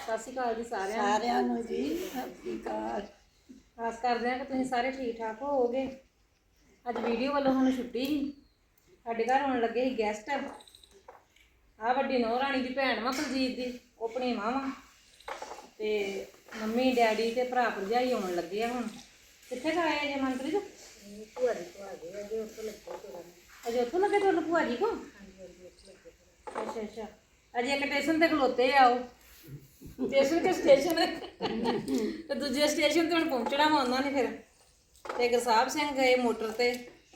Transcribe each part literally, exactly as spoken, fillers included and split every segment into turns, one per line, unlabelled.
ਸਤਿ ਸ਼੍ਰੀ ਅਕਾਲ ਜੀ ਸਾਰਿਆਂ ਨੂੰ
ਸਾਰਿਆਂ ਨੂੰ ਜੀ ਸਤਿ ਸ਼੍ਰੀ ਅਕਾਲ।
ਆਸ ਕਰਦੇ ਹਾਂ ਕਿ ਤੁਸੀਂ ਸਾਰੇ ਠੀਕ ਠਾਕ ਹੋਵੋਗੇ। ਅੱਜ ਵੀਡੀਓ ਵੱਲੋਂ ਸਾਨੂੰ ਛੁੱਟੀ ਸੀ। ਸਾਡੇ ਘਰ ਆਉਣ ਲੱਗੇ ਸੀ ਗੈਸਟ। ਆਹ ਵੱਡੀ ਨੂੰਹ ਰਾਣੀ ਦੀ ਭੈਣ ਵਾ ਕੁਲਜੀਤ ਦੀ, ਉਹ ਭਣੇਵਾਂ ਵਾ ਤੇ ਮੰਮੀ ਡੈਡੀ ਤੇ ਭਰਾ ਭਰਜਾਈ ਆਉਣ ਲੱਗੇ ਆ। ਹੁਣ ਕਿੱਥੇ ਕੁ ਆਏ ਜੇ ਮਨਪ੍ਰੀਤ?
ਭੂਆ ਦੀ ਭੂਆ ਦੇ ਅਜੇ ਉੱਥੋਂ ਲੱਗੇ ਤੁਰਨ।
ਅਜੇ ਉੱਥੋਂ ਲੱਗੇ ਤੁਹਾਨੂੰ ਭੂਆ ਜੀ ਕੋ? ਅੱਛਾ ਅੱਛਾ, ਅਜੇ ਇੱਕ ਸਟੇਸ਼ਨ ਤੇ ਖਲੋਤੇ ਆ। ਉਹ ਸਟੇਸ਼ਨ ਤੇ ਸਟੇਸ਼ਨ ਤੇ ਦੂਜੇ ਸਟੇਸ਼ਨ ਤੇ ਹੁਣ ਪਹੁੰਚਣਾ ਵਾ ਉਹਨਾਂ ਨੇ। ਫਿਰ ਤੇ ਗੁਰਸਾਹਿਬ ਸਿੰਘ ਗਏ ਮੋਟਰ ਤੇ।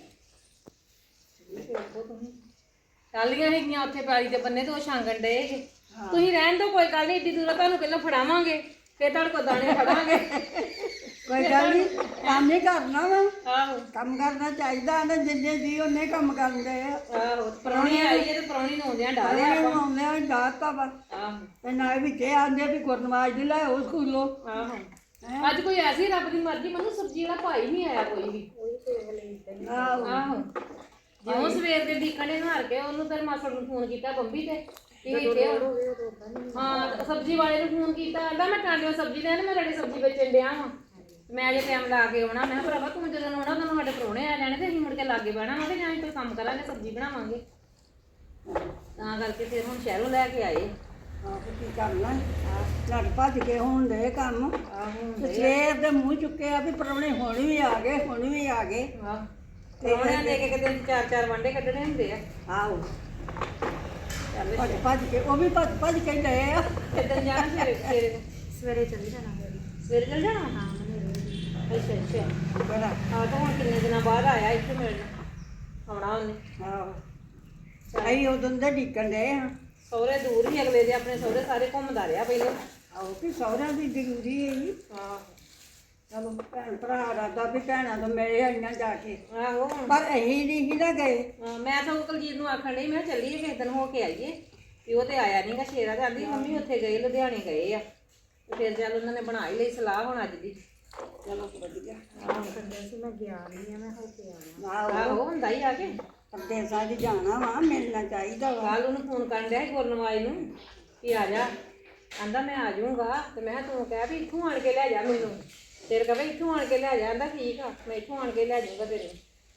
ਟਾਲੀਆਂ ਹੈਗੀਆਂ ਉੱਥੇ ਪੈਲੀ ਦੇ ਬੰਨੇ ਤੇ ਉਹ ਛਾਂਗਣ ਡਏ ਸੀ। ਤੁਸੀਂ ਰਹਿਣ ਦਿਓ, ਕੋਈ ਗੱਲ ਨਹੀਂ, ਏਡੀ ਦੂਰੋਂ ਤੁਹਾਨੂੰ ਪਹਿਲਾਂ ਫੜਾਵਾਂਗੇ ਫਿਰ ਤੁਹਾਡੇ ਕੋਲ ਦਾਣੇ ਫੜਾਂਗੇ।
ਕੋਈ ਗੱਲ ਨਹੀਂ, ਕੰਮ ਹੀ ਕਰਨਾ ਵਾ।
ਆਹੋ
ਕੰਮ ਕਰਨਾ ਚਾਹੀਦਾ ਨਾ, ਜਿੰਨੇ ਜੀ ਉਹਨੇ ਕੰਮ ਕਰਦੇ ਆ।
ਆਹੋ, ਪ੍ਰਾਹੁਣੀ ਆਈ ਹੈ ਤੇ ਪ੍ਰਾਹੁਣੀ ਨੂੰ ਆਉਂਦਿਆਂ ਡਾਲਿਆ ਆਪਾਂ।
ਆਉਂਦੇ ਆ ਡਾਤਾ ਵਾ
ਆਹੋ
ਤੇ ਨਾਲ ਵਿੱਚ ਇਹ ਆਂਦੇ ਵੀ ਗੁਰਨਵਾਜ ਦੀ ਲੈ ਉਹ ਸਕੂਲੋਂ।
ਆਹੋ, ਅੱਜ ਕੋਈ ਐਸੀ ਰੱਬ ਦੀ ਮਰਜ਼ੀ, ਮੈਨੂੰ ਸਬਜ਼ੀ ਵਾਲਾ ਭਾਈ ਨਹੀਂ ਆਇਆ ਕੋਈ ਵੀ।
ਆਹੋ
ਆਹੋ, ਜਿਉਂ ਸਵੇਰ ਦੇ ਡੀਕਣੇ ਹਾਰ ਕੇ ਉਹਨੂੰ ਤੇ ਮਾਸੜ ਨੂੰ ਫੋਨ ਕੀਤਾ ਬੰਬੀ ਤੇ ਕਿ ਇੱਥੇ ਹਾਂ ਸਬਜ਼ੀ ਵਾਲੇ ਨੂੰ ਫੋਨ ਕੀਤਾ। ਕਹਿੰਦਾ ਮੈਂ ਟਾਂਡਿਓ ਸਬਜ਼ੀ ਲੈਣ, ਮੈਂ ਤੁਹਾਡੀ ਸਬਜ਼ੀ ਵੇਚਣ ਡਿਆ ਵਾਂ, ਮੈਂ ਜੇ ਟਾਈਮ ਲਾ ਕੇ ਆਉਣਾ। ਮੈਂ ਕਿਹਾ ਭਰਾਵਾ ਤੂੰ ਜਦੋਂ ਆਉਣਾ ਤੁਹਾਨੂੰ ਸਾਡੇ ਪ੍ਰਾਹੁਣੇ ਆ ਜਾਣੇ ਤੇ ਅਸੀਂ ਮੁੜ ਕੇ ਲਾਗੇ ਬਹਿਣਾ ਵਾ ਤੇ ਜਾਂ ਅਸੀਂ ਕੋਈ ਕੰਮ ਕਰਾਂਗੇ, ਸਬਜ਼ੀ ਬਣਾਵਾਂਗੇ। ਤਾਂ ਕਰਕੇ ਫਿਰ ਹੁਣ ਸ਼ਹਿਰੋਂ ਲੈ ਕੇ ਆਏ।
ਆਹ ਕੀ ਕਰਨਾ ਲੜ ਭੱਜ ਕੇ ਹੋਣ ਦੇ ਕੰਮ।
ਆਹੋ
ਸਵੇਰ ਦੇ ਮੂੰਹ ਚੁੱਕੇ ਆ ਵੀ ਪ੍ਰਾਹੁਣੇ ਹੁਣ ਵੀ ਆ ਗਏ, ਹੁਣ ਵੀ ਆ ਗਏ।
ਆਹ ਪ੍ਰਾਹੁਣਿਆਂ ਦੇ ਇੱਕ ਇੱਕ ਦਿਨ ਚਾਰ ਚਾਰ ਵਾਂਡੇ ਕੱਢਣੇ ਹੁੰਦੇ ਆ।
ਆਹੋ ਭੱਜ ਭੱਜ ਕੇ ਉਹ ਵੀ ਭੱਜ ਭੱਜ ਕੇ ਗਏ ਆ।
ਕਿੱਦਣ ਜਾਣਾ ਸਵੇਰੇ? ਸਵੇਰੇ
ਸਵੇਰੇ ਚੱਲੀ ਜਾਣਾ।
ਸਵੇਰੇ ਚੱਲ ਜਾਣਾ?
ਹਾਂ ਮਨੇਰੇ।
ਅੱਛਾ ਅੱਛਾ,
ਬੜਾ
ਆਹ ਤਾਂ ਹੁਣ ਕਿੰਨੇ ਦਿਨਾਂ ਬਾਅਦ ਆਇਆ ਇੱਥੇ ਮਿਲਣ ਆਉਣਾ ਉਹਨੇ।
ਆਹੋ ਅਸੀਂ ਉਦੋਂ ਦੇ ਢੀਕਣ ਡਏ ਆ।
ਸਹੁਰੇ ਦੂਰ ਹੀ ਅਗਲੇ ਦੇ, ਆਪਣੇ ਸਹੁਰੇ ਸਾਰੇ ਘੁੰਮਦਾ ਰਿਹਾ ਪਹਿਲਾਂ।
ਆਹੋ ਕਿ ਸਹੁਰਿਆਂ ਦੀ ਜ਼ਰੂਰੀ ਹੈ ਜੀ।
ਹਾਂ
ਚਲੋ ਭੈਣ ਭਰਾ ਰਾਦਾ ਵੀ ਭੈਣਾਂ ਤੋਂ ਮਿਲੇ ਆਈਆਂ ਜਾ ਕੇ,
ਆਹੋ,
ਪਰ ਅਸੀਂ ਨਹੀਂ ਸੀ ਨਾ ਗਏ।
ਹਾਂ, ਮੈਂ ਤਾਂ ਕੁਲਜੀਤ ਨੂੰ ਆਖਣ ਡਈ ਮੈਂ ਚੱਲੀਏ ਕਿਸੇ ਦਿਨ ਹੋ ਕੇ ਆਈਏ ਵੀ ਉਹ ਤੇ ਆਇਆ ਨਹੀਂਗਾ। ਸ਼ੇਰਾ ਤੇ ਆਂਦੀ ਮੰਮੀ ਉੱਥੇ ਗਏ, ਲੁਧਿਆਣੇ ਗਏ ਆ। ਤੇ ਫਿਰ ਚੱਲ ਉਹਨਾਂ ਨੇ ਬਣਾ ਹੀ ਲਈ ਸਲਾਹ ਹੁਣ ਅੱਜ ਦੀ।
ਚਲੋ ਵਧੀਆ।
ਆਹੋ
ਕਹਿੰਦੇ ਸੀ ਮੈਂ ਗਿਆ ਨਹੀਂ ਆ, ਮੈਂ ਹੋ ਕੇ ਆਵਾਂ।
ਆਹੋ
ਆਹੋ ਹੁੰਦਾ ਹੀ ਆ ਕੇ।
ਪਰਦੇਸਾਂ 'ਚ ਜਾਣਾ ਵਾ, ਮਿਲਣਾ ਚਾਹੀਦਾ ਵਾ।
ਕੱਲ ਉਹਨੂੰ ਫੋਨ ਕਰਨ ਡਿਆ ਸੀ ਗੁਰਨਵਾਜ ਨੂੰ ਕਿ ਆ ਜਾ। ਆਂਦਾ ਮੈਂ ਆ ਜਾਊਂਗਾ ਤੇ ਮੈਂ ਕਿਹਾ ਤੂੰ ਕਹਿ ਵੀ ਇੱਥੋਂ ਆਣ ਕੇ ਲੈ ਜਾ ਮੈਨੂੰ। ਤੇਰੇ ਕਹੇ ਇੱਥੋਂ ਆਣ ਕੇ ਲੈ ਜਾ। ਆਂਦਾ ਠੀਕ ਆ, ਮੈਂ ਇੱਥੋਂ ਆਣ ਕੇ ਲੈ ਜਾਊਂਗਾ ਤੇਰੇ।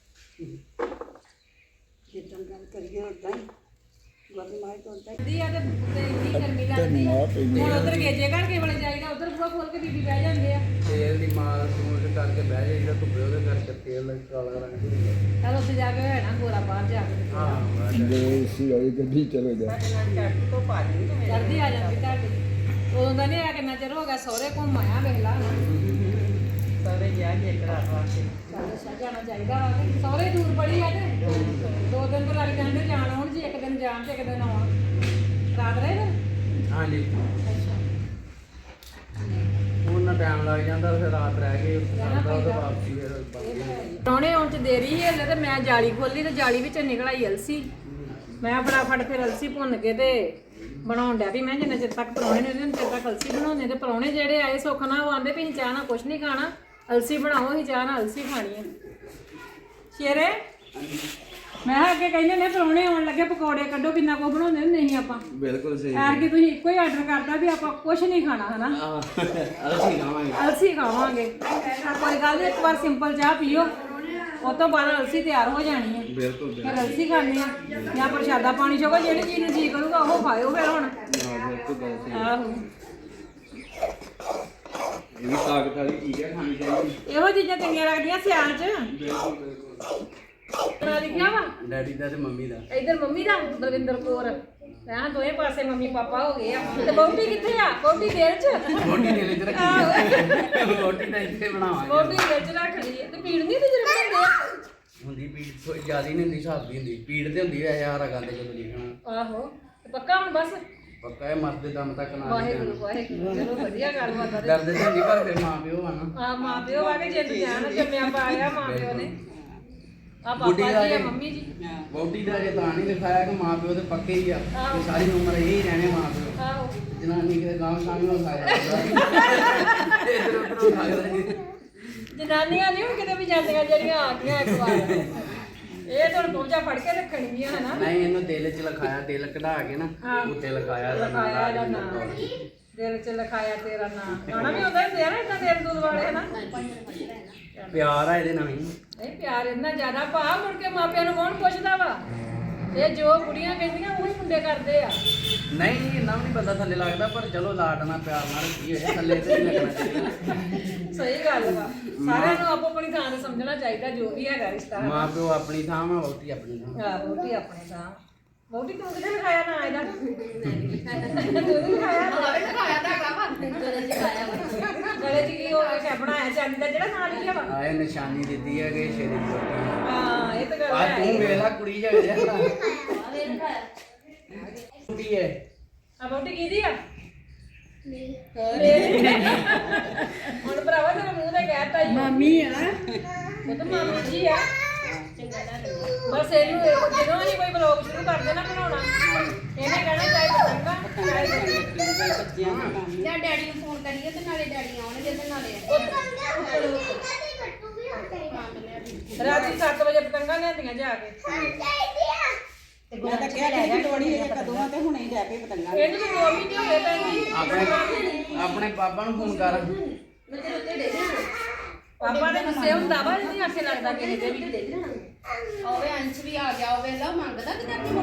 ਜਿੱਦਾਂ ਗੱਲ ਕਰੀਏ ਉਦਾਂ ਹੀ ਗੁਰਨਵਾਜ ਤੋਂ ਉਦਾਂ ਹੀ।
ਦੀ ਆ ਤੇ ਇੰਨੀ ਗਰਮੀ ਲੱਗਦੀ ਆ। ਹੁਣ ਉਧਰ ਗੇਜੇ ਘਰ ਕੇ ਵਾਲੇ ਜਾਈਦਾ, ਉਧਰ ਬੂਹਾ ਖੋਲ ਕੇ ਬੀਬੀ ਬਹਿ ਜਾਂਦੇ ਆ।
ਤੇਲ ਦੀ ਮਾਲ ਸੂਟ ਕਰਕੇ ਬਹਿ ਜਾਈ ਜਿਹੜਾ ਧੁੱਪੇ ਉਹਦੇ ਕਰਕੇ ਤੇਲ ਕਾਲਾ ਰੰਗ ਹੁੰਦਾ।
ਚੱਲ ਉੱਥੇ ਜਾ ਕੇ ਹੋਇਆ ਨਾ ਗੋਰਾ ਬਾਹਰ ਜਾ ਕੇ।
ਹਾਂ
ਜੇ ਸੀ ਵਾਲੀ ਗੱਡੀ ਚਲੇ ਜਾ
ਜਲਦੀ ਆ ਜਾਂਦੀ ਤੁਹਾਡੀ। ਉਦੋਂ ਦਾ ਨਹੀਂ ਆਇਆ, ਕਿੰਨਾ ਚਿਰ ਹੋ ਗਿਆ। ਸਹੁਰੇ ਘੁੰਮ ਆਇਆ ਵੇਖ ਲਾ ਨਾ।
ਸਾਰੇ ਜਾ ਕੇ ਇੱਕ ਰਾਤ ਵਾਸਤੇ
ਚੱਲ ਅੱਛਾ ਜਾਣਾ ਚਾਹੀਦਾ ਵਾ ਕਿ ਸਹੁਰੇ ਦੂਰ ਬੜੀ ਆ ਤੇ ਦੋ ਦਿਨ ਤਾਂ ਲੱਗ ਜਾਂਦੇ ਜਾਣ ਆਉਣ ਜੀ। ਇੱਕ ਦਿਨ ਜਾਣ ਤੇ ਇੱਕ ਦਿਨ ਆਉਣ। ਰਾਤ ਰਹੇ ਫਿਰ?
ਹਾਂਜੀ,
ਅੱਛਾ,
ਉਹਨਾਂ ਟਾਈਮ ਲੱਗ ਜਾਂਦਾ, ਫਿਰ ਰਾਤ ਰਹਿ ਗਏ
ਰਹਿਣਾ
ਉਹਦੇ
ਪੈਂਦਾ।
ਵਾਪਸੀ ਫਿਰ ਬਾਕੀ।
ਪ੍ਰਾਹੁਣੇ ਆਉਣ ਚ ਦੇਰੀ ਹੈ ਤੇ ਮੈਂ ਜਾਲੀ ਖੋਲੀ ਤੇ ਜਾਲੀ ਵਿੱਚ ਨਿਕਲ ਆਈ ਅਲਸੀ। ਮੈਂ ਫਟਾਫਟ ਫਿਰ ਅਲਸੀ ਭੁੰਨ ਕੇ ਤੇ ਬਣਾਉਣ ਡਿਆ ਵੀ ਮੈਂ ਜਿੰਨੇ ਚਿਰ ਤੱਕ ਪ੍ਰਾਹੁਣੇ ਨੇ ਉਹਦੇ ਚਿਰ ਤੱਕ ਅਲਸੀ ਬਣਾਉਂਦੇ। ਤੇ ਪ੍ਰਾਹੁਣੇ ਜਿਹੜੇ ਆਏ ਸੁੱਖ ਨਾਲ ਉਹ ਆਂਦੇ ਵੀ ਅਸੀਂ ਚਾਹ ਨਾਲ ਕੁਛ ਨਹੀਂ ਖਾਣਾ, ਅਲਸੀ ਬਣਾਓ, ਅਸੀਂ ਚਾਹ ਨਾਲ ਅਲਸੀ ਖਾਣੀ ਹੈ। ਸ਼ੇਰੇ ਮੈਂ ਕਿਹਾ ਅੱਗੇ ਕਹਿੰਦੇ ਨੇ ਪ੍ਰਾਹੁਣੇ ਆਉਣ ਲੱਗੇ ਪਕੌੜੇ ਕੱਢੋ, ਕਿੰਨਾ ਕੁ ਬਣਾਉਂਦੇ ਹੁੰਦੇ ਸੀ ਆਪਾਂ।
ਬਿਲਕੁਲ ਸਹੀ।
ਐਰ ਕਿ ਤੁਸੀਂ ਇੱਕੋ ਹੀ ਆਰਡਰ ਕਰਤਾ ਵੀ ਆਪਾਂ ਕੁਛ ਨਹੀਂ ਖਾਣਾ ਹਨਾ,
ਅਸੀਂ ਖਾਵਾਂਗੇ।
ਅਲਸੀ ਖਾਵਾਂਗੇ। ਕੋਈ ਗੱਲ ਨਹੀਂ, ਇੱਕ ਵਾਰ ਸਿੰਪਲ ਚਾਹ ਪੀਓ, ਉਹ ਤੋਂ ਬਾਅਦ ਅਲਸੀ ਤਿਆਰ ਹੋ ਜਾਣੀ ਹੈ।
ਬਿਲਕੁਲ
ਫਿਰ ਅਲਸੀ ਖਾਣੀ ਆ ਜਾਂ ਪ੍ਰਸ਼ਾਦਾ ਪਾਣੀ ਛਕੋ, ਜਿਹੜੀ ਚੀਜ਼ ਨੂੰ ਜੀ ਕਰੂਗਾ ਉਹ ਖਾਇਓ ਫਿਰ ਹੁਣ।
ਹਾਂ ਬਿਲਕੁਲ ਗੱਲ ਸਹੀ।
ਆਹੋ,
ਇਹ ਵੀ ਤਾਕਤ ਵਾਲੀ ਚੀਜ਼ ਹੈ, ਖਾਣੀ ਚਾਹੀਦੀ।
ਇਹੋ ਚੀਜ਼ਾਂ ਚੰਗੀਆਂ ਲੱਗਦੀਆਂ ਸਿਆਲ 'ਚ।
ਬਿਲਕੁਲ ਬਿਲਕੁਲ।
ਤੇਰਾ ਲਿਖਿਆ ਵਾ
ਡੈਡੀ ਦਾ ਤੇ ਮੰਮੀ ਦਾ।
ਇੱਧਰ ਮੰਮੀ ਦਾ ਬਲਵਿੰਦਰ ਕੌਰ। ਮੈਂ ਦੋਵੇਂ ਪਾਸੇ ਮੰਮੀ ਪਾਪਾ ਹੋ ਗਏ ਆ। ਤੇ ਬੋਟੀ ਕਿੱਥੇ ਆ? ਬੋਟੀ ਦੇਰ 'ਚ
ਰੋਟੀ ਦੇ ਵਿੱਚ ਰੱਖੀ ਹੈ। ਰੋਟੀ ਤਾਂ ਇੱਥੇ ਬਣਾਵਾਂਗੇ।
ਬੋਟੀ ਦੇਰ 'ਚ ਰੱਖ ਲਈ ਹੈ। ਤੇ ਪੀੜ ਨਹੀਂ ਤੇ ਜਿਹੜੇ ਬਣਾਉਂਦੇ ਆ
ਹੁੰਦੀ ਪੀੜ ਕੋਈ ਜ਼ਿਆਦਾ ਨਹੀਂ ਹੁੰਦੀ, ਹਿਸਾਬ ਦੀ ਹੁੰਦੀ। ਪੀੜ ਤੇ ਹੁੰਦੀ ਹੈ ਯਾਰ ਗੰਦ ਜਦੋਂ ਲਿਖਣਾ।
ਆਹੋ, ਤੇ ਪੱਕਾ ਹੁਣ ਬਸ।
ਪੱਕਾ ਹੈ, ਮਰਦੇ ਦਮ ਤੱਕ ਨਾ
ਵਾਹਿਗੁਰੂ ਵਾਹਿਗੁਰੂ, ਚਲੋ ਵਧੀਆ ਗੱਲ ਬਾਤ ਆ।
ਦਰਦ ਤੇ ਹੁੰਦੀ, ਪਰ ਫਿਰ ਮਾਂ ਪਿਓ ਆ ਨਾ।
ਆ ਮਾਂ ਪਿਓ ਆ ਕੇ ਜਿੰਦ ਜਾਨ ਜੰਮਿਆ ਪਾਇਆ ਮਾਂ ਪਿਓ ਨੇ। ਆ ਪਾਪਾ
ਬੁੱਢੀ ਦਾ
ਜੀ ਆ,
ਜੇ-
ਮੰਮੀ ਜੀ।
ਵਹੁਟੀ ਦਾ ਜੇ ਤਾਂ ਨਹੀਂ ਲਿਖਾਇਆ ਕਿ ਮਾਂ ਪਿਓ ਤੇ ਪੱਕੇ ਹੀ ਆ
ਆਹੋ।
ਕਿ ਸਾਰੀ ਉਮਰ ਇਹ ਹੀ ਰਹਿਣੇ ਮਾਂ ਪਿਓ।
ਆਹੋ,
ਜਨਾਨੀ ਕਿਤੇ ਗਾਂਵ ਸਾਂਗ ਨਾ ਖਾਇਆ ਜਾਂਦਾ। ਇੱਧਰ ਉੱਧਰ ਖਾਇਆ।
ਜਨਾਨੀਆਂ ਨਹੀਂ ਹੁਣ ਕਿਤੇ ਵੀ ਜਾਂਦੀਆਂ ਜਿਹੜੀਆਂ ਆ ਗਈਆਂ ਇੱਕ ਵਾਰ। ਇਹ ਤਾਂ ਪਹੁੰਚਾ ਫੜ ਕੇ ਰੱਖਣਗੀਆਂ ਹਨਾ।
ਨਹੀਂ, ਇਹਨੂੰ ਦਿਲ 'ਚ ਲਿਖਾਇਆ, ਦਿਲ ਕਢਾ ਕੇ ਨਾ
ਹਾਂ।
ਉੱਤੇ ਲਿਖਾਇਆ ਇਹਦਾ
ਲਿਖਾਇਆ ਇਹਦਾ
ਨਾਮ।
ਨਾਮ। ਦਿਲ ਚ ਲਿਖਾਇਆ ਤੇਰਾ ਨਾਂ ਗਾਣਾ ਵੀ ਹੁੰਦਾ ਹੀ ਨਾ ਇਦਾਂ ਦਿਲ ਦੂਲ ਵਾਲੇ ਹਨਾ
ਪਿਆਰ ਆ ਇਹਦੇ ਨਾਲ ਹੀ
ਨਹੀਂ ਪਿਆਰ ਇੰਨਾ ਜ਼ਿਆਦਾ ਭਾ ਮੁੜ ਕੇ ਮਾਪਿਆਂ ਨੂੰ ਕੌਣ ਪੁੱਛਦਾ ਵਾ ਇਹ ਜੋ ਕੁੜੀਆਂ ਕਹਿੰਦੀਆਂ ਉਹੀ ਮੁੰਡੇ ਕਰਦੇ ਆ
ਨਹੀਂ ਇੰਨਾ ਵੀ ਨਹੀਂ ਬੰਦਾ ਥੱਲੇ ਲੱਗਦਾ ਪਰ ਚਲੋ ਲਾਡ ਨਾਲ ਪਿਆਰ ਨਾਲ ਕੀ ਹੋਇਆ ਥੱਲੇ ਤੇ ਨਹੀਂ ਲੱਗਣਾ ਚਾਹੀਦਾ
ਸਹੀ ਗੱਲ ਵਾ ਸਾਰਿਆਂ ਨੂੰ ਆਪੋ ਆਪਣੀ ਥਾਂ ਤੇ ਸਮਝਣਾ ਚਾਹੀਦਾ ਜੋ ਵੀ ਹੈਗਾ ਰਿਸ਼ਤਾ
ਮਾਂ ਪਿਓ ਆਪਣੀ ਥਾਂ ਵਾ ਵਹੁਟੀ ਆਪਣੀ ਥਾਂ
ਆ ਵੋਟੀ ਆਪਣੇ ਥਾਂ ਵੋਟੀ ਤੂੰ ਕਿਹਨੇ ਲਿਖਾਇਆ ਨਾ ਇਹਦਾ ਤੂੰ ਨੀ ਲਿਖਾਇਆ ਗਲੇ ਚ ਕੀ ਹੋ ਗਿਆ ਬਣਾਇਆ ਚਾਂਦੀ ਦਾ ਜਿਹੜਾ ਨਾਂ ਲਿਖਿਆ ਵਾ
ਆਏ ਨਿਸ਼ਾਨੀ ਦਿੱਤੀ ਹੈ ਕਿ ਸ਼ੇਰੇ ਦੀ ਵਹੁਟੀ
ਹਾਂ ਇਹ ਤਾਂ ਗੱਲ
ਆ
ਹੈ
ਤੂੰ ਵੇਲਾ ਕੁੜੀ ਜਾ ਜਾ ਕੁੜੀ ਹੈ
ਆ ਵੋਟੀ ਕਿਹਦੀ ਆ ਮੇਰੀ ਹੁਣ ਭਰਾਵਾ ਤੇਰੇ ਮੂੰਹ ਤੇ ਕਹਿਤਾ ਹੀ
ਮਾਮੀ ਆ
ਉਹ ਤਾਂ ਮਾਮੀ ਜੀ ਆ ਬਸ ਇਹਨੂੰ ਜਦੋਂ ਅਸੀਂ ਕੋਈ ਬਲੌਗ ਸ਼ੁਰੂ ਕਰਦੇ ਨਾ ਬਣਾਉਣਾ ਇਹਨੇ ਕਹਿਣਾ ਚਾਹੇ ਪਤੰਗਾ ਚਾਹੇ
ਜਾਂ ਡੈਡੀ ਨੂੰ ਫੋਨ ਕਰੀਏ ਤੇ ਨਾਲੇ ਡੈਡੀ ਆਉਣਗੇ ਤੇ ਨਾਲੇ
ਰਾਤੀ ਸੱਤ ਵਜੇ ਪਤੰਗਾ ਲਿਆਂਦੀਆਂ ਜਾ ਕੇ
ਮੈਂ ਤਾਂ ਕਿਹਾ ਕਿ ਲੋੜੀ ਇਹ ਕਦੋਂ ਆ ਤੇ ਹੁਣੇ ਹੀ ਲੈ ਕੇ ਪਤੰਗਾ
ਇਹਨੂੰ ਤਾਂ ਦੋ ਮਹੀਨੇ ਹੋ ਗਏ ਭੈਣ ਜੀ
ਆਪਣੇ ਆਪਣੇ ਪਾਪਾ ਨੂੰ ਫੋਨ ਕਰ
ਪਾਪਾ ਦੇ ਗੁੱਸੇ ਹੁੰਦਾ ਵਾ ਨਹੀਂ ਆਖੇ ਲੱਗਦਾ ਕਿਸੇ ਦੇ ਵੀ
ਹੋਵੇ ਅੰਸ਼ ਵੀ ਆ ਗਿਆ ਹੋਵੇ ਲਾ ਮੰਗਦਾ ਕਿ ਤੇਰੀ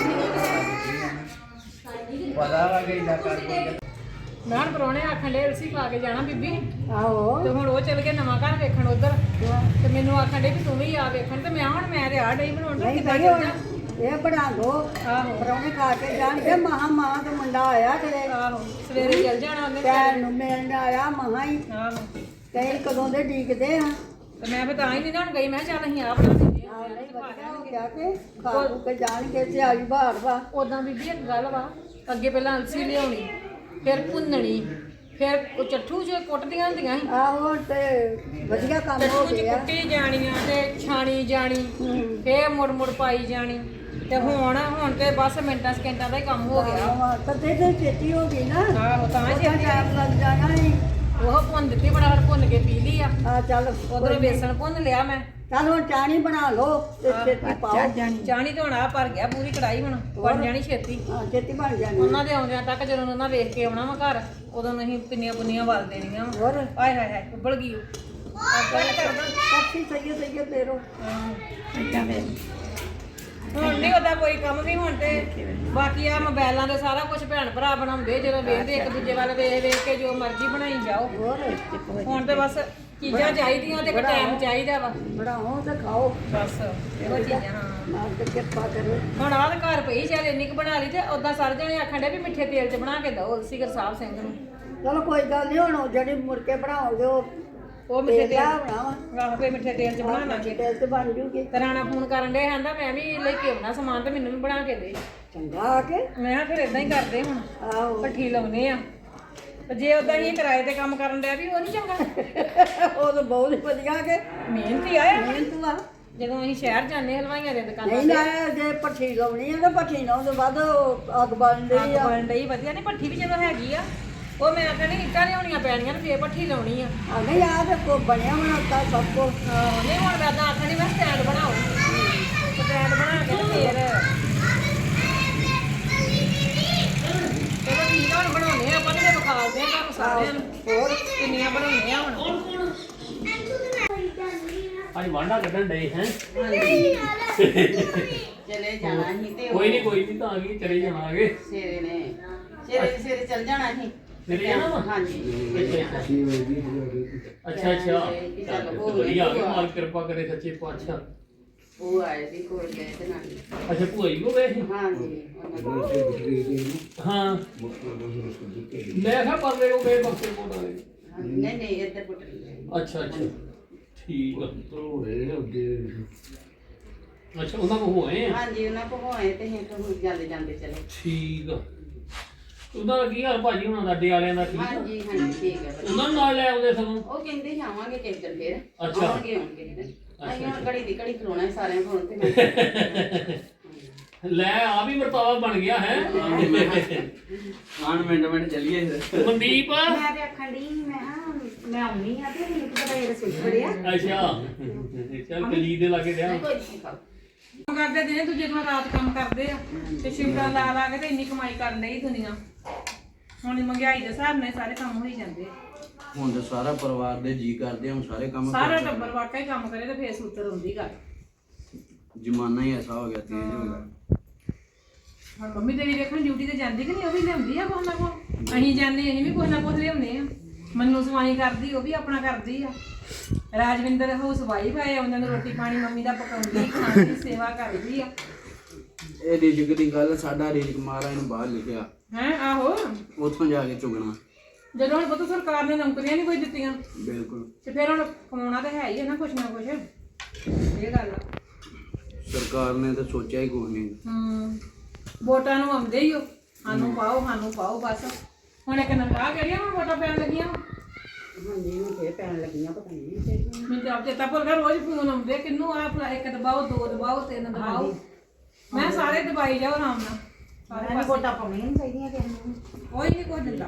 ਪਤਾ ਵਾ ਕਿ ਇਦਾਂ ਕਰ ਕੋਈ
ਨਾਨ ਪਰੋਣੇ ਆਖਣ ਦੇ ਅਲਸੀ ਪਾ ਕੇ ਜਾਣਾ ਬੀਬੀ
ਆਹੋ
ਤੇ ਹੁਣ ਉਹ ਚਲ ਗਿਆ ਨਵਾਂ ਘਰ ਵੇਖਣ ਉਧਰ ਤੇ ਮੈਨੂੰ ਆਖਣ ਦੇ ਵੀ ਤੂੰ ਵੀ ਆ ਵੇਖਣ ਤੇ ਮੈਂ ਹੁਣ ਮੈਂ ਤੇ ਆ ਡਈ ਬਣਾਉਣ ਤੇ
ਨਹੀਂ
ਕਿੱਦਾਂ
ਭਾਈ
ਚੱਲ
ਹੁਣ ਇਹ ਬਣਾ ਦੋ
ਆਹੋ
ਪਰੌਣੇ ਖਾ ਕੇ ਜਾਣਗੇ ਮਹਾ ਮਾਂ ਦਾ ਮੁੰਡਾ ਆਇਆ ਕਿਤੇ
ਆਹੋ ਸਵੇਰੇ ਚੱਲ ਜਾਣਾ ਉਹਨੇ
ਭੈਣ ਨੂੰ ਮਿਲਣ ਆਇਆ ਮਹਾ ਹੀ
ਆਹੋ
ਕਈ ਕਦੋਂ ਦੇ ਡੀਕਦੇ ਆ
ਤੇ ਮੈਂ ਫਿਰ ਤਾਂ ਹੀ ਨਹੀਂ ਨਾ ਹੁਣ ਗਈ ਮੈਂ ਕਿਹਾ ਚੱਲ ਅਸੀਂ ਆ ਬਣਾ ਦਿੰਦੇ ਆ
ਨਹੀਂ ਵਧੀਆ ਹੋ ਗਿਆ ਕਿ ਖਾ ਖੂ ਕੇ ਜਾਣਗੇ ਤੇ ਆਈ ਬਾਹਰ ਵਾ
ਉਦਾਂ ਬੀਬੀ ਇੱਕ ਗੱਲ ਵਾ ਅੱਗੇ ਪਹਿਲਾਂ ਅਲਸੀ ਲਿਆਉਣੀ ਫਿਰ ਭੁੰਨਣੀ ਫਿਰ ਉਹ ਚੱਠੂ ਚ ਕੁੱਟਦੀਆਂ ਹੁੰਦੀਆਂ ਸੀ
ਆਹੋ ਤੇ ਵਧੀਆ ਕੰਮ ਹੋ
ਚੱਠੂ ਚ
ਗਿਆ
ਕੁੱਟੀ ਜਾਣੀਆਂ ਤੇ ਛਾਣੀ ਜਾਣੀ ਫੇਰ ਮੁੜ ਮੁੜ ਪਾਈ ਜਾਣੀ ਤੇ ਹੁਣ ਹੁਣ ਤੇ ਬਸ ਮਿੰਟਾਂ ਸਕਿੰਟਾਂ ਦਾ ਹੀ ਕੰਮ ਹੋ ਗਿਆ
ਆਹ ਤਦੇ ਤੇ ਛੇਤੀ ਹੋ ਗਈ ਨਾ
ਆਹੋ ਤਾਂ
ਉਹਦਾ
ਛੇਤੀ
ਟਾਈਮ ਲੱਗ ਜਾਣਾ ਸੀ
ਉਹ ਭੁੰਨ ਦਿੱਤੀ ਬੜਾ ਭੁੰਨ ਕੇ ਪੀ ਲਈ ਆ
ਆ ਚੱਲ
ਉਧਰੋਂ ਬੇਸਣ ਭੁੰਨ ਲਿਆ ਮੈਂ
ਚੱਲ ਹੁਣ ਚਾਣੀ ਬਣਾ ਲਓ ਤੇ ਛੇਤੀ ਪਾਓ
ਚਾਣੀ ਤੇ ਹੁਣ ਆ ਭਰ ਗਿਆ ਪੂਰੀ ਕੜਾਈ ਹੁਣ ਬਣ ਜਾਣੀ ਛੇਤੀ
ਹਾਂ ਛੇਤੀ ਬਣ ਜਾਣੀ
ਉਹਨਾਂ ਦੇ ਆਉਂਦਿਆਂ ਤੱਕ ਜਦੋਂ ਉਹਨਾਂ ਵੇਖ ਕੇ ਆਉਣਾ ਵਾ ਘਰ ਉਦੋਂ ਨਹੀਂ ਪਿੰਨੀਆਂ ਪੁੰਨੀਆਂ ਵਲ ਦੇਣੀਆਂ ਵਾ
ਹੋਰ
ਆਏ ਹਾਏ ਹਾਏ ਉੱਬਲ ਗਈ ਕੱਟ ਕਰਦਾ
ਸੱਚੀ ਸਹੀ ਸਹੀ ਤੇਰੋ
ਹੁਣ ਨਹੀਂ ਉਹਦਾ ਕੋਈ ਕੰਮ ਵੀ ਹੁਣ ਤੇ ਬਾਕੀ ਆ ਮੋਬਾਈਲਾਂ ਦੇ ਸਾਰਾ ਕੁਝ ਭੈਣ ਭਰਾ ਬਣਾਉਂਦੇ ਜਦੋਂ ਵੇਖਦੇ ਇੱਕ ਦੂਜੇ ਵੱਲ ਵੇਖ ਵੇਖ ਕੇ ਜੋ ਮਰਜ਼ੀ ਬਣਾਈ ਜਾਓ
ਹੋਰ
ਹੁਣ ਤੇ ਬਸ ਚੀਜ਼ਾਂ ਚਾਹੀਦੀਆਂ ਤੇ ਟਾਈਮ ਚਾਹੀਦਾ ਵਾ
ਬਣਾਓ ਤੇ ਖਾਓ
ਬਸ ਇਹੋ ਚੀਜ਼ਾਂ ਹਾਂ
ਮਾਰ ਕੇ ਕਿਰਪਾ ਕਰੋ
ਹੁਣ ਆਹ ਤਾਂ ਘਰ ਪਈ ਚੱਲ ਇੰਨੀ ਕੁ ਬਣਾ ਲਈ ਤੇ ਉਦਾਂ ਸਾਰੇ ਜਣੇ ਆਖਣ ਡੇ ਵੀ ਮਿੱਠੇ ਤੇਲ 'ਚ ਬਣਾ ਕੇ ਦਿਓ ਸਿਗਰ ਸਾਹਿਬ ਸਿੰਘ ਨੂੰ
ਚਲੋ ਕੋਈ ਗੱਲ ਨਹੀਂ ਹੁਣ ਜਿਹੜੀ ਮੁੜ ਕੇ ਬਣਾਓਗੇ ਉਹ
ਉਹ ਮਿੱਠੇ ਤੇਲ
ਬਣਾਵਾ
ਆਹੋ ਕੋਈ ਮਿੱਠੇ ਤੇਲ 'ਚ ਬਣਾ ਲਾਂਗੇ
ਟੇਸਟ ਬਣ ਜੂਗੀ
ਤੇ ਰਾਣਾ ਫੋਨ ਕਰਨ ਦੇ ਕਹਿੰਦਾ ਮੈਂ ਵੀ ਲੈ ਕੇ ਆਉਣਾ ਸਮਾਨ ਤੇ ਮੈਨੂੰ ਵੀ ਬਣਾ ਕੇ ਦੇ
ਚੰਗਾ ਆ ਕੇ
ਮੈਂ ਕਿਹਾ ਫਿਰ ਇਦਾਂ ਹੀ ਕਰਦੇ ਹੁਣ
ਆਹੋ
ਭੱਠੀ ਲਾਉਨੇ ਆ ਤੇ ਜੇ ਉਦਾਂ ਹੀ ਕਿਰਾਏ ਤੇ ਕੰਮ ਕਰਨ ਡਿਆ ਵੀ ਉਹ ਨਹੀਂ ਚੰਗਾ
ਉਹ ਤਾਂ ਬਹੁਤ ਹੀ ਵਧੀਆ ਕੇ
ਮਿਹਨਤੀ ਆਇਆ
ਮਿਹਨਤ ਵਾ
ਜਦੋਂ ਅਸੀਂ ਸ਼ਹਿਰ ਜਾਂਦੇ ਹਲਵਾਈਆਂ ਦੇ ਦੁਕਾਨਾਂ
ਨਹੀਂ ਨਾ ਜੇ ਪੱਠੀ ਲਾਉਣੀ ਆ ਤਾਂ ਪੱਠੀ ਲਾਉਣ ਤੋਂ ਬਾਅਦ ਉਹ ਅੱਗ ਬਲਦੀ
ਅੱਗ
ਆ
ਬਣ ਡਈ ਵਧੀਆ ਨਹੀਂ ਭੱਠੀ ਵੀ ਜਦੋਂ ਹੈਗੀ ਆ ਉਹ ਮੈਂ ਕਹਿੰਦੀ ਇੱਟਾਂ ਲਿਆਉਣੀਆਂ ਪੈਣੀਆਂ ਤੇ ਫੇਰ ਭੱਠੀ ਲਾਉਣੀ ਆ
ਆ ਨਹੀਂ ਆ ਤੇ ਕੋ ਬਣਿਆ ਬਣਾਤਾ ਸਭ ਕੋ
ਹਾਂ, ਨਹੀਂ ਹੁਣ ਮੈਂ ਤਾਂ ਆਖਣੀ ਮੈਂ ਸਟੈਂਡ ਬਣਾਓ ਸਟੈਂਡ ਬਣਾ ਕੇ ਤੇ ਫੇਰ ਚਲੋ ਠੀਕ ਆ ਹੁਣ ਬਣਾਉਣੇ ਆ ਆਪਾਂ ਤੇ ਫਿਰ ਵਿਖਾਲਦੇ ਆ ਤੁਹਾਨੂੰ ਸਾਰਿਆਂ ਨੂੰ ਹੋਰ ਕਿੰਨੀਆਂ ਬਣਾਉਣੇ ਆ ਹੁਣ
ਅੱਜ ਵਾਂਡਾ ਕੱਢਣ ਡਏ ਹੈ
ਚਲੇ ਜਾਣਾ ਸੀ ਤੇ
ਕੋਈ ਨਹੀਂ ਕੋਈ ਨਹੀਂ ਤਾਂ ਆ ਗਈ ਚਲੇ ਜਾਵਾਂਗੇ
ਸੇਰੇ ਨੇ ਸੇਰੇ ਸੇਰੇ ਚੱਲ ਜਾਣਾ ਸੀ
ਚਲੇ ਜਾਣਾ ਵਾ
ਹਾਂਜੀ
ਅੱਛਾ ਅੱਛਾ
ਕਿ ਚੱਲ
ਚੱਲ
ਹੋ
ਵਧੀਆ ਆ ਮਾਲ ਕਿਰਪਾ ਕਰੇ ਸੱਚੇ ਪਾਤਸ਼ਾਹ
ਉਹ ਆਏ ਸੀ ਕੋਲ ਗਏ ਤੇ ਨਾਲ
ਅੱਛਾ ਭੂਆ ਜੀ ਕੋ ਗਏ ਸੀ?
ਹਾਂਜੀ ਉਹਨਾਂ ਦੇ-
ਹਾਂ ਮੈਂ ਕਿਹਾ ਪਰਲੇ ਕੋ ਗਏ ਬਖਸ਼ੇ ਕੋਲ ਵਾਲੇ
ਨਹੀਂ ਨਹੀਂ ਇੱਧਰ ਪੁੱਟ ਗਏ
ਅੱਛਾ ਅੱਛਾ ਠੀਕ ਆ ਅੱਛਾ ਉਹਨਾਂ ਕੋ ਹੋਏ ਆ
ਹਾਂਜੀ ਉਹਨਾਂ ਕੋ ਹੋਏ ਤੇ ਅਸੀਂ ਤਾਂ ਹੁਣ ਜਾਂਦੇ ਜਾਂਦੇ ਚਲੇ
ਠੀਕ ਆ ਉਹਨਾਂ ਦਾ ਕੀ ਹਾਲ ਭਾਜੀ ਉਹਨਾਂ ਦਾ ਅੱਡੇ ਵਾਲਿਆਂ ਦਾ ਠੀਕ ਆ
ਹਾਂਜੀ ਹਾਂਜੀ ਠੀਕ ਹੈ ਵਧੀਆ।
ਉਹਨਾਂ ਨੂੰ ਨਾਲ ਲੈ ਆਉਂਦੇ ਸਗੋਂ
ਉਹ ਕਹਿੰਦੇ ਸੀ ਆਵਾਂਗੇ ਕਿਸ ਦਿਨ ਫੇਰ
ਅੱਛਾ।
ਆਉਣਗੇ ਆਉਣਗੇ ਅਸੀਂ ਹੁਣ ਘੜੀ ਦੀ ਘੜੀ ਖਲੋਣਾ ਹੈ ਸਾਰਿਆਂ ਕੋਲ ਤੇ ਮੈਂ
ਲੈ ਆ ਵੀ ਵਰਤਾਵਾ ਬਣ ਗਿਆ ਹੈ
ਆਣ ਮਿੰਟ ਮਿੰਟ ਚੱਲੀਏ
ਮਨਦੀਪ
ਮੈਂ ਤੇ ਆਖਣ ਡਈ ਸੀ, ਮੈਂ ਹਾਂ ਮੈਂ ਆਉਣੀ ਆ ਤੇ ਮੈਨੂੰ ਪਤਾ ਇਹ ਰਸੋਈ ਬੜਿਆ
ਅੱਛਾ ਚੱਲ ਕਲੀ ਦੇ ਲਾਗੇ ਰਿਹਾ
ਕੋਈ ਨਹੀਂ ਖਾਓ
ਕੰਮ ਕਰਦੇ ਦਿਨੇ ਦੂਜੇ ਥਾਂ ਰਾਤ ਕੰਮ ਕਰਦੇ ਆ ਤੇ ਸ਼ਿਫਟਾਂ ਲਾ ਲਾ ਕੇ ਤੇ ਇੰਨੀ ਕਮਾਈ ਕਰਨ ਲਈ ਦੁਨੀਆ ਹੁਣ ਮਹਿੰਗਾਈ ਦੇ ਹਿਸਾਬ ਨਾਲ ਸਾਰੇ ਕੰਮ ਹੋਈ ਜਾਂਦੇ
ਹੁਣ ਤੇ ਸਾਰਾ ਪਰਿਵਾਰ ਦੇ ਜੀ ਕਰਦੇ ਆ, ਹੁਣ ਸਾਰੇ ਕੰਮ
ਸਾਰਾ ਟੱਬਰ ਵਾਕਈ ਕੰਮ ਕਰੇ ਤੇ ਫੇਰ ਸੂਤਰ ਹੁੰਦੀ ਗੱਲ।
ਜ਼ਮਾਨਾ ਹੀ ਐਸਾ ਹੋ ਗਿਆ, ਤੇਜ਼ ਹੋ ਗਿਆ।
ਹੁਣ ਮੰਮੀ ਤੇਰੀ ਵੇਖਣ ਡਿਊਟੀ ਤੇ ਜਾਂਦੀ ਕਿ ਨਹੀਂ, ਉਹ ਵੀ ਲਿਆਉਂਦੀ ਆ ਕੁਛ ਨਾ ਕੁਛ। ਅਸੀਂ ਜਾਂਦੇ ਅਸੀਂ ਵੀ ਕੁਛ ਨਾ ਕੁਛ ਲਿਆਉਂਦੇ ਆ। ਮੰਨੂ ਸਵਾਈ ਕਰਦੀ, ਉਹ ਵੀ ਆਪਣਾ ਕਰਦੀ ਆ। ਰਾਜਵਿੰਦਰ ਹਾਊਸ ਵਾਈਫ ਆਏ, ਉਹਨਾਂ ਨੂੰ ਰੋਟੀ ਪਾਣੀ ਮੰਮੀ ਦਾ ਪਕਾਉਂਦੀ, ਖਾਣ ਦੀ ਸੇਵਾ ਕਰਦੀ ਆ।
ਇਹ ਰਿਜ਼ਕ ਦੀ ਗੱਲ, ਸਾਡਾ ਰਿਜ਼ਕ ਮਹਾਰਾਜ ਨੇ ਬਾਹਰ ਲਿਖਿਆ,
ਹੈ ਆਹੋ,
ਉੱਥੋਂ ਜਾ ਕੇ ਚੁਗਣਾ।
ਜਦੋਂ ਹੁਣ ਪਤਾ ਸਰਕਾਰ ਨੇ ਨੌਕਰੀਆਂ ਨਹੀਂ ਕੋਈ ਦਿੱਤੀਆਂ
ਬਿਲਕੁਲ।
ਤੇ ਫਿਰ ਹੁਣ ਕਮਾਉਣਾ ਤਾਂ ਹੈ ਹੀ ਹੈ ਨਾ ਕੁਛ ਨਾ ਕੁਛ। ਇਹ ਗੱਲ ਆ।
ਸਰਕਾਰ ਨੇ ਤਾਂ ਸੋਚਿਆ ਹੀ ਕੁਛ ਨਹੀਂ।
ਹੂੰ, ਵੋਟਾਂ ਨੂੰ ਆਉਂਦੇ ਹੀ ਹੋ, ਸਾਨੂੰ ਪਾਓ ਸਾਨੂੰ ਪਾਓ ਬਸ। ਹੁਣ ਇੱਕ ਨੰਬਰ ਕਿਹੜੀਆਂ ਹੁਣ ਵੋਟਾਂ ਪੈਣ ਲੱਗੀਆਂ।
ਹਾਂਜੀ ਹੁਣ ਫੇਰ ਪੈਣ ਲੱਗੀਆਂ ਪਤਾ ਨਹੀਂ
ਮੈਨੂੰ ਤਾਂ ਆਪ ਚੇਤਾ ਭੁੱਲ ਗਿਆ, ਰੋਜ਼ ਫੋਨ ਆਉਂਦੇ ਕਿੰਨੂੰ ਆ ਭਲਾ, ਇੱਕ ਦਬਾਓ, ਦੋ ਦਬਾਓ, ਤਿੰਨ ਦਬਾਓ। ਮੈਂ ਸਾਰੇ ਦਬਾਈ ਜਾਓ ਆਰਾਮ ਨਾਲ। ਸਾਰੇ
ਸਾਰੇ ਵੋਟਾਂ ਪਾਉਣੀਆਂ ਨਹੀਂ ਚਾਹੀਦੀਆਂ ਕਿਸੇ ਨੂੰ।
ਕੋਈ ਨਹੀਂ ਕੋਈ ਦਿੰਦਾ।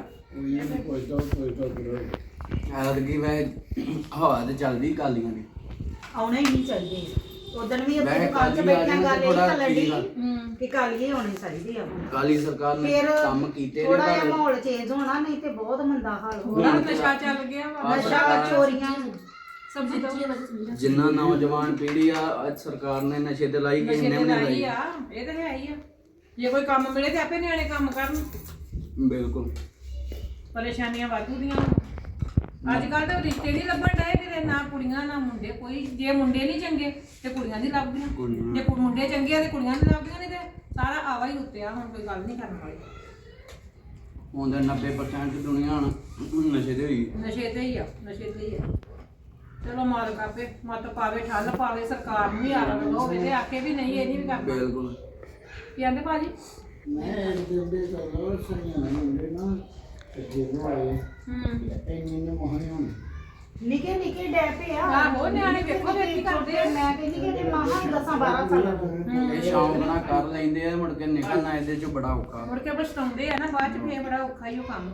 ਐਤਕੀ ਵੈ ਹਵਾ ਤੇ ਚੱਲਦੀ ਕਾਲੀਆਂ ਦੀ।
ਆਉਣੇ ਹੀ ਨਹੀਂ ਚਾਹੀਦੇ। ਉਦੋਂ ਵੀ
ਮੈਂ
ਉੱਥੇ ਦੁਕਾਨ 'ਚ
ਕਾਲੀ
ਬੈਠਿਆਂ
ਆ
ਗੱਲ
ਜਾਣੀ
ਇਹ
ਥੋੜ੍ਹਾ
ਚੱਲਣ ਡਈ
ਹੂੰ,
ਕਿ ਕਾਲੀਏ ਹੋਣੇ ਚਾਹੀਦੇ ਆ।
ਕਾਲੀ ਸਰਕਾਰ ਨੇ
ਫਿਰ
ਕੰਮ ਕੀਤੇ ਨੇ
ਥੋੜਾ ਜਿਹਾ
ਪਰ
ਮਾਹੌਲ ਚੇਂਜ ਹੋਣਾ, ਨਹੀਂ ਤੇ ਬਹੁਤ ਮੰਦਾ ਹਾਲ ਹੋਣਾ।
ਹੁਣ ਨਸ਼ਾ ਚੱਲ ਗਿਆ ਵਾ।
ਨਸ਼ਾ ਚੋਰੀਆਂ
ਸਬਜ਼ੀ ਤੋਂ
ਜਿੰਨਾ ਨੌਜਵਾਨ ਪੀੜ੍ਹੀ ਆ, ਅੱਜ ਸਰਕਾਰ ਨੇ ਨਸ਼ੇ ਤੇ ਲਾਈ, ਕਿਸੇ
ਨਸ਼ੇ
ਨੇ
ਤੇ
ਵੀ ਨਹੀਂ
ਲਾਈ
ਲਾਈ।
ਆ, ਇਹ ਤਾਂ ਹੈ ਹੀ ਆ। ਜੇ ਕੋਈ ਕੰਮ ਮਿਲੇ ਤੇ ਆਪੇ ਨਿਆਣੇ ਕੰਮ ਕਰਨ।
ਬਿਲਕੁਲ।
ਪਰੇਸ਼ਾਨੀਆਂ ਵਾਧੂ ਦੀਆਂ। ਅੱਜ ਕੱਲ ਤਾਂ ਰਿਸ਼ਤੇ ਨਹੀਂ ਲੱਭਣ ਡਏ ਕਿਤੇ, ਨਾ ਕੁੜੀਆਂ ਨਾ ਮੁੰਡੇ। ਕੋਈ ਜੇ ਮੁੰਡੇ ਨਹੀਂ ਚੰਗੇ ਤੇ ਕੁੜੀਆਂ ਨਹੀਂ ਲੱਭਦੀਆਂ,
ਕੁੜੀਆਂ।
ਜੇ ਕੁ- ਮੁੰਡੇ ਚੰਗੇ ਆ ਤੇ ਕੁੜੀਆਂ ਨਹੀਂ ਲੱਭਦੀਆਂ। ਨਹੀਂ ਤੇ ਸਾਰਾ ਆਵਾ ਹੀ ਉੱਤੇ ਆ। ਹੁਣ ਕੋਈ ਗੱਲ ਨਹੀਂ ਕਰਨ ਵਾਲੀ।
ਹੁਣ ਤਾਂ ਨੱਬੇ ਪਰਸੈਂਟ ਦੁਨੀਆ ਹੁਣ ਨਸ਼ੇ ਤੇ ਹੋਈ।
ਨਸ਼ੇ ਤੇ ਹੀ ਆ, ਨਸ਼ੇ ਤੇ ਹੀ ਆ। ਚਲੋ ਮਾਲਕ ਆਪੇ ਮਤ ਪਾਵੇ, ਠੱਲ ਪਾਵੇ, ਸਰਕਾਰ ਨੂੰ ਵੀ ਆਰਾਮ ਹੋਵੇ ਤੇ ਆਖੇ ਵੀ ਨਹੀਂ ਇਹ ਨਹੀਂ ਵੀ ਕਰਨਾ।
ਬਿਲਕੁਲ।
ਕੀ ਕਹਿੰਦੇ ਭਾਜੀ?
ਮੈਂ ਦਿੰਦੇ ਚਲੋ ਸਹੀਆਂ ਹੁੰਦੇ ਨਾ ਤੇ ਜਦੋਂ ਆਏ
ਹੂੰ,
ਇੰਨੇ ਨੇ ਮਹਾਨ ਹੋਣ
ਨਿੱਕੇ ਨਿੱਕੇ ਡੈਪੇ ਆ।
ਆਹੋ, ਨਿਆਣੇ ਵੇਖੋ ਵੇਖ ਕੀ ਕਰਦੇ ਆ।
ਮੈਂ ਕਹਿੰਦੀ ਕਿ ਇਹਦੇ ਮਾਹਾਂ ਹੀ ਦਸਾਂ ਬਾਰਾਂ ਸਾਲਾਂ ਦੇ।
ਇਹ ਸ਼ੌਂਕ ਨਾਲ ਕਰ ਲੈਂਦੇ ਆ, ਮੁੜ ਕੇ ਨਿਕਲਣਾ ਇਹਦੇ ਚੋਂ ਬੜਾ ਔਖਾ।
ਮੁੜ ਕੇ ਪਛਤਾਉਂਦੇ ਆ ਨਾ ਬਾਅਦ ਚ, ਫੇਰ ਬੜਾ ਔਖਾ ਹੀ ਉਹ ਕੰਮ।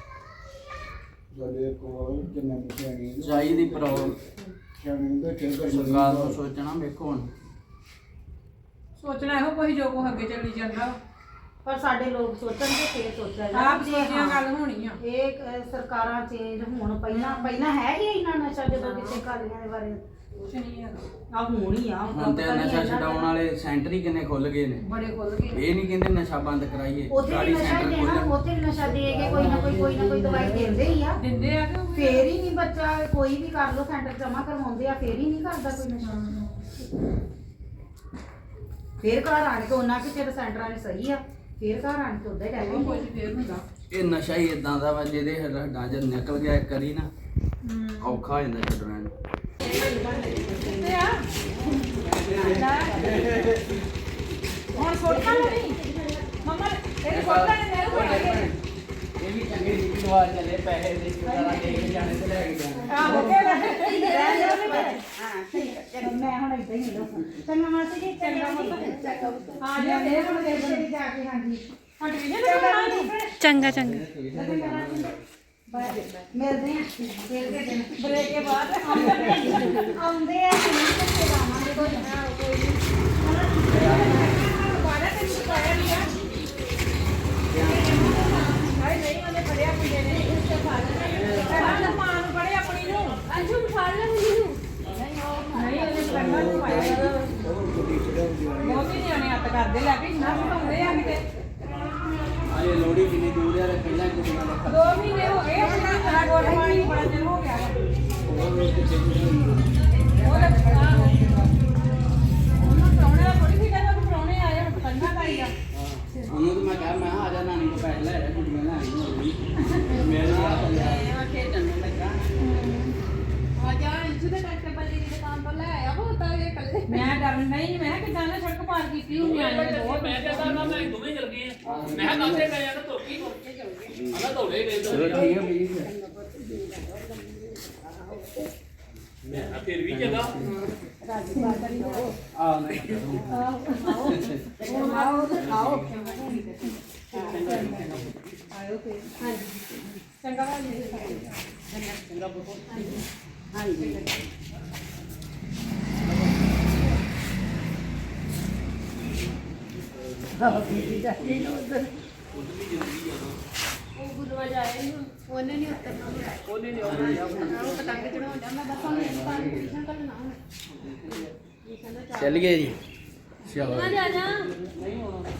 ਸਾਡੇ ਕੋਲ ਕਿੰਨੇ ਸਿਆਣੇ
ਚਾਹੀਦੀ ਪ੍ਰੋਬਲਮ
ਸਿਆਣੇ ਦੇ ਖੇਡ
ਸਰਕਾਰ ਨੂੰ ਸੋਚਣਾ। ਵੇਖੋ ਹੁਣ
ਸੋਚਣਾ ਇਹੋ ਕੋਈ ਜੋ ਕੋ ਅੱਗੇ ਚੱਲੀ ਜਾਂਦਾ।
ਪਰ ਸਾਡੇ ਲੋਕ ਸੋਚਣਗੇ ਫੇਰ ਸੋਚਿਆ
ਆਪ ਸੋਚਿਆ ਗੱਲ ਹੋਣੀ ਆ।
ਇਹ ਅਹ, ਸਰਕਾਰਾਂ ਚੇਂਜ ਹੋਣ ਪਹਿਲਾਂ ਪਹਿਲਾਂ ਹੈ ਹੀ ਇੰਨਾ ਨਸ਼ਾ ਜਦੋਂ ਕਿਸੇ ਕਾਲੀਆਂ ਦੇ ਬਾਰੇ
ਕੁਛ ਨਹੀਂ ਹੈਗਾ।
ਆ ਹੁਣ ਹੀ ਆ
ਹੁਣ ਤੇ ਨਸ਼ਾ ਛਡਾਉਣ ਵਾਲੇ ਸੈਂਟਰ ਹੀ ਕਿੰਨੇ ਖੁੱਲ ਗਏ ਨੇ।
ਬੜੇ ਖੁੱਲ ਗਏ।
ਇਹ ਨਹੀਂ ਕਹਿੰਦੇ ਨਸ਼ਾ ਬੰਦ ਕਰਾਈਏ,
ਉੱਥੇ ਵੀ
ਗਾੜੀ
ਨਸ਼ਾ
ਸੈਂਟਰ
ਦੇਣਾ,
ਖੋਲ੍ਹਣ।
ਉੱਥੇ ਵੀ ਨਸ਼ਾ ਦੇ ਕੇ ਕੋਈ ਨਾ ਕੋਈ ਕੋਈ ਨਾ ਕੋਈ ਦਵਾਈ ਦਿੰਦੇ ਹੀ ਆ।
ਦਿੰਦੇ ਆ ਕਿ
ਫੇਰ ਹੀ ਨਹੀਂ ਬੱਚਾ ਕੋਈ ਵੀ ਕਰ ਲੋ, ਸੈਂਟਰ ਜਮਾ ਕਰਵਾਉਂਦੇ ਆ, ਫੇਰ ਹੀ ਨਹੀਂ ਕਰਦਾ ਕੋਈ ਨਸ਼ਾ। ਫੇਰ ਘਰ ਆਣ ਕੇ ਉਹਨਾਂ ਕਿ ਚਿਰ ਸੈਂਟਰਾਂ ਨੇ ਸਹੀ ਆ, ਫੇਰ ਘਰ ਆਣ ਕੇ ਉਦਾਂ ਹੀ
ਉਹ
ਰਹਿ
ਕੁਝ
ਗਏ।
ਫੇਰ ਹੁੰਦਾ।
ਇਹ ਨਸ਼ਾ ਹੀ ਇਦਾਂ ਦਾ ਵਾ ਜਿਹਦੇ ਹੱਡਾਂ 'ਚ ਨਿਕਲ ਗਿਆ ਇੱਕ ਵਾਰੀ ਨਾ, ਔਖਾ ਹੋ ਜਾਂਦਾ ਛੱਡਣਾ ਇਹਨੂੰ।
ਕਿੱਥੇ ਆ? ਹੁਣ ਸੋਟਾ ਨਹੀਂ ਮਮਾ, ਇਹ ਸੋਟਾ ਨੇ ਮੇਰੇ ਕੋਲ ਆਏ।
ਇਹ ਵੀ ਚੰਗੇ ਰੀਤੀ ਰਿਵਾਜ ਚੱਲੇ, ਪੈਸੇ ਦੇ ਕੇ ਸਾਰਾ ਦੇ ਕੇ ਜਾਣੇ ਤੇ ਲੈ ਕੇ ਜਾਣੇ।
ਆਹੋ ਕਿਹੜਾ
ਹਾਂ ਠੀਕ ਹੈ, ਮੈਂ ਹੁਣ ਇਦਾਂ ਹੀ ਦੱਸਾਂ। ਚੰਗਾ ਮਾਸੀ ਜੀ, ਚੰਗਾ ਪੁੱਤ।
ਆ ਜਾ
ਇਹ ਹੁਣ ਦੇਖਦੇ ਵੀ ਜਾ ਕੇ ਹਾਂਜੀ
ਹਟ ਵੀ ਨਹੀਂ ਲੱਗਣਾ।
ਚੰਗਾ ਚੰਗਾ
ਮਿਲਦੇ ਆ ਫੇਰ ਕੇ ਦਿਨ
ਬ੍ਰੇਕ ਕੇ ਬਾਅਦ
ਆਉਂਦੇ ਆ ਕਿ ਨਹੀਂ ਤੇ ਆਵਾਂਗੇ ਕੋਈ ਨਾ ਕੋਈ
ਬਾਰਾ ਤੇ ਨਹੀਂ ਪਾਇਆ ਨਹੀਂ ਆ। ਹਾਏ ਨਹੀਂ ਉਹਨੇ ਫੜਿਆ ਕੁੜੀ ਨੇ ਇਸ ਤੇ ਫੜ ਲਿਆ। ਮਾਂ ਨੂੰ ਫੜੇ ਆਪਣੀ ਨੂੰ। ਅੰਜੂ ਫੜ ਲੈ ਮੈਨੂੰ। ਨਹੀਂ ਉਹਨੇ ਕੰਨਾਂ ਨੂੰ ਪਾਇਆ। ਬਹੁਤ ਹੀ ਨਿਆਣੇ ਹੱਥ ਕਰਦੇ ਲੈ ਕੇ ਨਾ ਸੁਣਾਉਂਦੇ ਆ ਕਿਤੇ।
ਅਰੇ ਲੋੜੀ ਕਿੰਨੀ ਦੂਰ ਆ, ਪਹਿਲਾਂ ਕੁੜੀਆਂ ਦਾ
ਦੋ ਮਹੀਨੇ ਹੋ ਗਏ ਆਪਣਾ ਤਰਾ ਗੋਡ ਪਾਣੀ ਬੜਾ ਚਿਰ ਹੋ ਗਿਆ ਵਾ। ਉਹ ਤਾਂ ਆਹੋ। ਉਹਨੂੰ ਪ੍ਰਾਹੁਣੇ ਦਾ ਥੋੜ੍ਹੀ ਫਿਕਰ ਵਾ ਕਿ ਪ੍ਰਾਹੁਣੇ ਆਏ ਹੁਣ ਪਤੰਗਾ ਲਾਈ ਆ।
ਉਹਨੂੰ ਤਾਂ ਮੈਂ ਕਿਹਾ ਮੈਂ ਕਿਹਾ ਆ ਜਾ ਨਾਨੀ ਕੋਲ ਪੈਸੇ ਲੈ ਜਾ, ਕੁੜੀਆਂ ਲੈ ਆਈ ਹੋਣੀ ਮੇਰੇ ਨਾਲ ਚੱਲਿਆ।
ਇਹ ਖੇਡਣ ਨੂੰ ਲੱਗਾ।
ਮੈਂ ਡਰਨ ਨਹੀਂ, ਮੈਂ ਕਿਹਾ ਕਿੱਦਾਂ ਨਾ ਸੜਕ ਪਾਰ ਕੀਤੀ ਹੁੰਦੀ ਆ ਬਹੁਤ।
ਮੈਂ ਤੇ ਤਾਂ ਮੈਂ ਦੋਵੇਂ ਚਲ ਗਏ ਆ। ਮੈਂ ਕਿਹਾ ਕਾਸੇ ਗਏ ਆ ਤਾਂ ਧੋਕੀ ਧੋਕੇ ਚਲ ਗਏ। ਆਹ ਧੋਲੇ ਗਏ ਤਾਂ।
ਚਲੋ ਠੀਕ ਹੈ ਵੀਰ।
ਮੈਂ ਕਿਹਾ ਫਿਰ ਵੀ ਜਗ੍ਹਾ
ਆ ਨਹੀਂ
ਹੁਣ ਆਓ ਤੇ ਖਾਓ। ਆਇਓ ਤੇ ਹਾਂਜੀ ਚੰਗਾ ਭਾਜੀ।
ਚੰਗਾ ਬਹੁਤ ਹਾਂਜੀ
ਗੁਰੂਆ ਜਾਏ ਨਹੀਂ ਉਹਨੇ ਨਹੀਂ ਉਤਰਨਾ
ਉਹਨੇ ਨਹੀਂ ਆਉਣਾ
ਉਹ ਪਤੰਗ ਚੜਾਉਣ ਦਾ ਮੈਂ ਬਸ ਉਹਨੂੰ ਇਸ ਪਾਰ ਟਿਊਸ਼ਨ ਕਰਨਾ ਹੁਣ
ਚੱਲ ਗਏ ਜੀ ਚਲੋ
ਜਾ ਜਾ
ਨਹੀਂ ਹੋਣਾ